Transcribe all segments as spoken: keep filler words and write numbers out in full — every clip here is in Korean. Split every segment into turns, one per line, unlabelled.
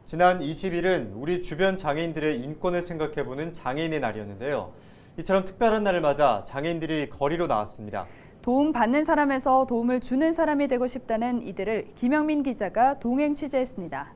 지난 이십 일은 우리 주변 장애인들의 인권을 생각해보는 장애인의 날이었는데요. 이처럼 특별한 날을 맞아 장애인들이 거리로 나왔습니다.
도움 받는 사람에서 도움을 주는 사람이 되고 싶다는 이들을 김영민 기자가 동행 취재했습니다.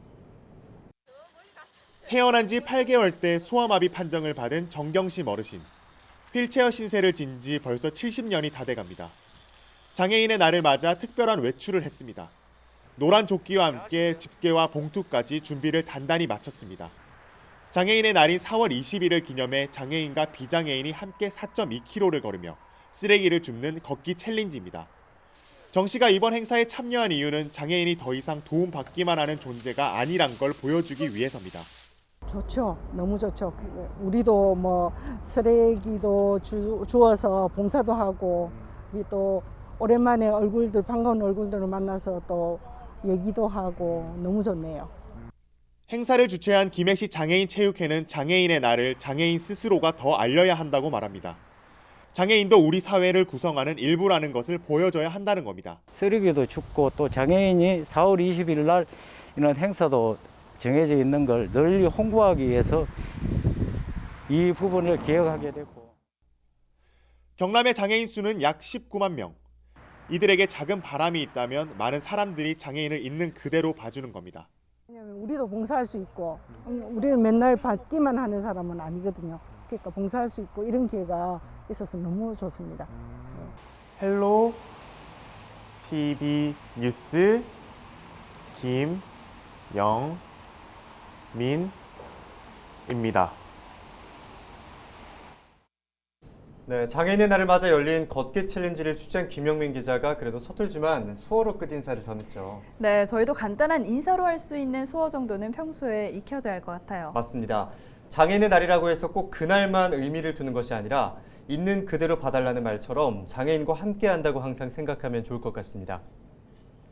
태어난 지 팔 개월 때 소아마비 판정을 받은 정경심 어르신. 휠체어 신세를 진 지 벌써 칠십 년이 다 돼갑니다. 장애인의 날을 맞아 특별한 외출을 했습니다. 노란 조끼와 함께 집게와 봉투까지 준비를 단단히 마쳤습니다. 장애인의 날인 사월 이십일을 기념해 장애인과 비장애인이 함께 사 점 이 킬로미터를 걸으며 쓰레기를 줍는 걷기 챌린지입니다. 정 씨가 이번 행사에 참여한 이유는 장애인이 더 이상 도움받기만 하는 존재가 아니란 걸 보여주기 위해서입니다.
좋죠. 너무 좋죠. 우리도 뭐 쓰레기도 주, 주워서 봉사도 하고 또 오랜만에 얼굴들 반가운 얼굴들을 만나서 또 얘기도 하고 너무 좋네요.
행사를 주최한 김해시 장애인 체육회는 장애인의 날을 장애인 스스로가 더 알려야 한다고 말합니다. 장애인도 우리 사회를 구성하는 일부라는 것을 보여줘야 한다는 겁니다.
쓰레기도 줍고 또 장애인이 사월 이십일 날 이런 행사도 정해져 있는 걸 널리 홍보하기 위해서 이 부분을 기획하게 됐고.
경남의 장애인 수는 약 십구만 명. 이들에게 작은 바람이 있다면 많은 사람들이 장애인을 있는 그대로 봐주는 겁니다.
왜냐하면 우리도 봉사할 수 있고 우리는 맨날 받기만 하는 사람은 아니거든요. 그러니까 봉사할 수 있고 이런 기회가 있어서 너무 좋습니다. 네.
헬로 티비 뉴스 김영민입니다.
네, 장애인의 날을 맞아 열린 걷기 챌린지를 취재한 김영민 기자가 그래도 서툴지만 수어로 끝 인사를 전했죠.
네, 저희도 간단한 인사로 할 수 있는 수어 정도는 평소에 익혀둬야 할 것 같아요.
맞습니다. 장애인의 날이라고 해서 꼭 그날만 의미를 두는 것이 아니라 있는 그대로 봐달라는 말처럼 장애인과 함께 한다고 항상 생각하면 좋을 것 같습니다.